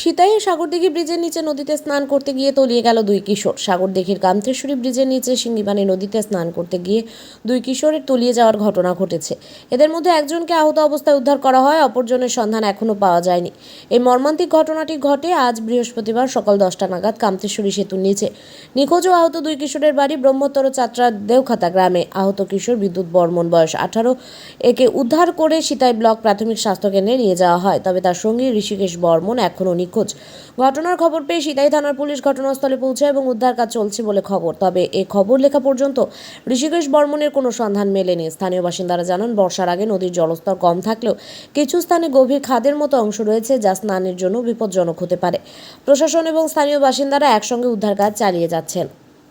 সিতাইয়ে সাগরদিঘি ব্রিজের নিচে নদীতে স্নান করতে গিয়ে তলিয়ে গেল দুই কিশোর। সাগরদিঘির কামতেশ্বরী ব্রিজের নিচে সিঙ্গিবানি নদীতে স্নান করতে গিয়ে দুই কিশোরের তলিয়ে যাওয়ার ঘটনা ঘটেছে। এদের মধ্যে একজনকে আহত অবস্থায় উদ্ধার করা হয়, অপরজনের সন্ধান এখনও পাওয়া যায়নি। এই মর্মান্তিক ঘটনাটি ঘটে আজ বৃহস্পতিবার সকাল 10টা নাগাদ কামতেশ্বরী সেতুর নিচে। নিখোঁজ ও আহত দুই কিশোরের বাড়ি ব্রহ্মোত্তর চাত্রার দেওখাতা গ্রামে। আহত কিশোর বিদ্যুৎ বর্মন, বয়স 18। একে উদ্ধার করে সিতাই ব্লক প্রাথমিক স্বাস্থ্যকেন্দ্রে নিয়ে যাওয়া হয়, তবে তার সঙ্গী ঋষিকেশ বর্মন এখনও নিখোঁজ। ঘটনার খবর পেয়ে সিতাই থানার পুলিশ ঘটনাস্থলে পৌঁছায় এবং উদ্ধার কাজ চলছে বলে খবর। তবে এই খবর লেখা পর্যন্ত ঋষিকেশ বর্মনের কোনো সন্ধান মেলেনি। স্থানীয় বাসিন্দারা জানান, বর্ষার আগে নদীর জলস্তর কম থাকলেও কিছু স্থানে গভীর খাদের মতো অংশ রয়েছে, যা স্নানের জন্য বিপজ্জনক হতে পারে। প্রশাসন এবং স্থানীয় বাসিন্দারা একসঙ্গে উদ্ধার কাজ চালিয়ে যাচ্ছেন।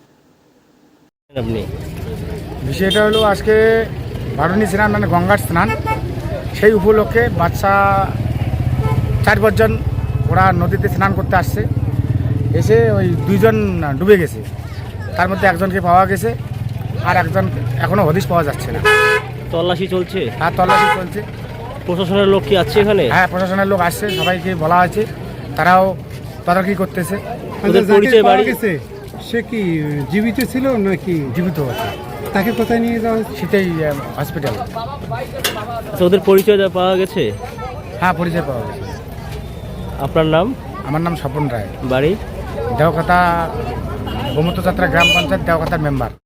বিষয়টা হলো আজকে বারুণী স্নান মানে গঙ্গার স্নান, সেই উপলক্ষে বাচ্চা 4-5 জন ওরা নদীতে স্নান করতে আসছে। এসে ওই 2 জন ডুবে গেছে, তার মধ্যে একজনকে পাওয়া গেছে, আর একজন এখনও হদিশ পাওয়া যাচ্ছে না। তল্লাশি চলছে? আর তল্লাশি চলছে। প্রশাসনের লোক কি আছে এখানে? হ্যাঁ, প্রশাসনের লোক আসছে, সবাইকে বলা হয়েছে, তারাও তদারকি করতেছে। ওদের পরিচয় বাড়ি গেছে, সে কি জীবিত ছিল নাকি? জীবিত আছে। তাকে কোথায় নিয়ে যাওয়া হয়েছে? সেটাই হসপিটাল। তো ওদের পরিচয় পাওয়া গেছে? হ্যাঁ, পরিচয় পাওয়া গেছে। আপনার নাম? আমার নাম স্বপন রায়, বাড়ি? দেওখাতা, ব্রহ্মোত্তর যাত্রা গ্রাম পঞ্চায়েত দেওখাতার মেম্বার।